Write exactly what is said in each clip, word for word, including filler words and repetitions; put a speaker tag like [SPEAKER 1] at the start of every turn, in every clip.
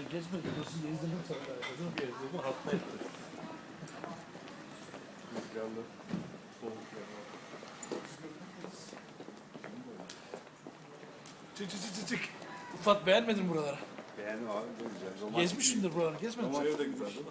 [SPEAKER 1] Gezme gidiyorsun, gezdirdim sana. Gezdirdim, gezdirdim, hasta etti.
[SPEAKER 2] Rüzgarlı, soğuk yani.
[SPEAKER 1] Çık çık çık çık çık. Ufat beğenmedin mi buraları?
[SPEAKER 2] Beğendim abi, çok güzel. Romantik.
[SPEAKER 1] Gezmişsindir buraları, gezmedin mi?
[SPEAKER 2] Romantik de güzel değil mi?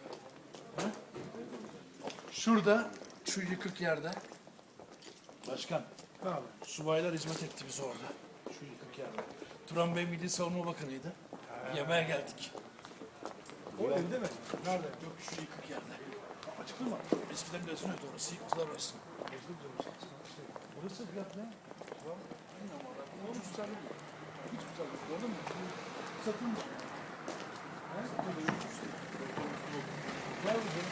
[SPEAKER 1] Şurada, şu yıkık yerde. Başkan, subaylar hizmet etti bize orada. Şu yıkık yerde. Turan Bey Milli Savunma Bakanı'ydı. Yemeğe geldik.
[SPEAKER 3] O evde mi? Nerede?
[SPEAKER 1] Yok şu yıkık yerde.
[SPEAKER 3] Açıklı mı?
[SPEAKER 1] Eskiden gazinoydu orası, yıktılar orası.
[SPEAKER 3] Burası fiyat ne? on üç tane mi? Hiç güzel değil. Gördün mü? Satın mı? He? Var mı canım?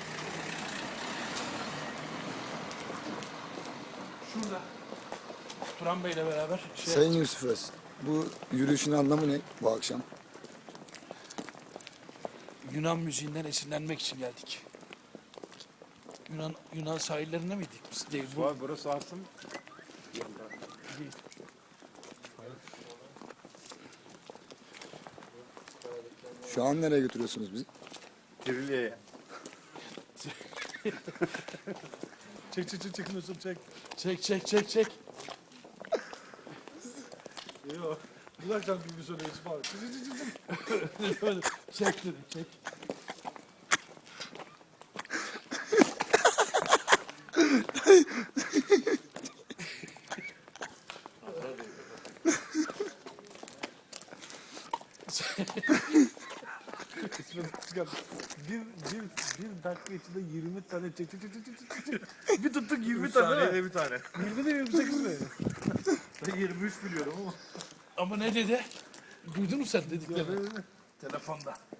[SPEAKER 1] Şurada. Turan Bey'le beraber şey
[SPEAKER 4] Sayın Yusuf Öz, bu yürüyüşün anlamı ne bu akşam?
[SPEAKER 1] Yunan müziğinden esinlenmek için geldik. Yunan Yunan sahillerinde miydik biz? Değil. Bu
[SPEAKER 2] Abi burası Arsın.
[SPEAKER 1] değil.
[SPEAKER 4] Şu an nereye götürüyorsunuz bizi?
[SPEAKER 2] Kiriliye'ye.
[SPEAKER 3] Çek çek çek çek Mesut çek.
[SPEAKER 1] Çek çek çek çek.
[SPEAKER 3] Yok. Bu akşam gibi söyle Yusuf abi. Çek çek çek çek.
[SPEAKER 1] Böyle çek dedim çek.
[SPEAKER 3] Çıkar. Bir, bir, bir dakika içinde yirmi tane çek çek çek çek çek çek. Bir tuttuk yirmi tane.
[SPEAKER 2] Saniyede bir tane.
[SPEAKER 3] yirmi de yirmi sekiz mi?
[SPEAKER 2] Ben yirmi üç biliyorum ama.
[SPEAKER 1] Ama ne dedi? Duydun mu sen dediklerini? Telefonda.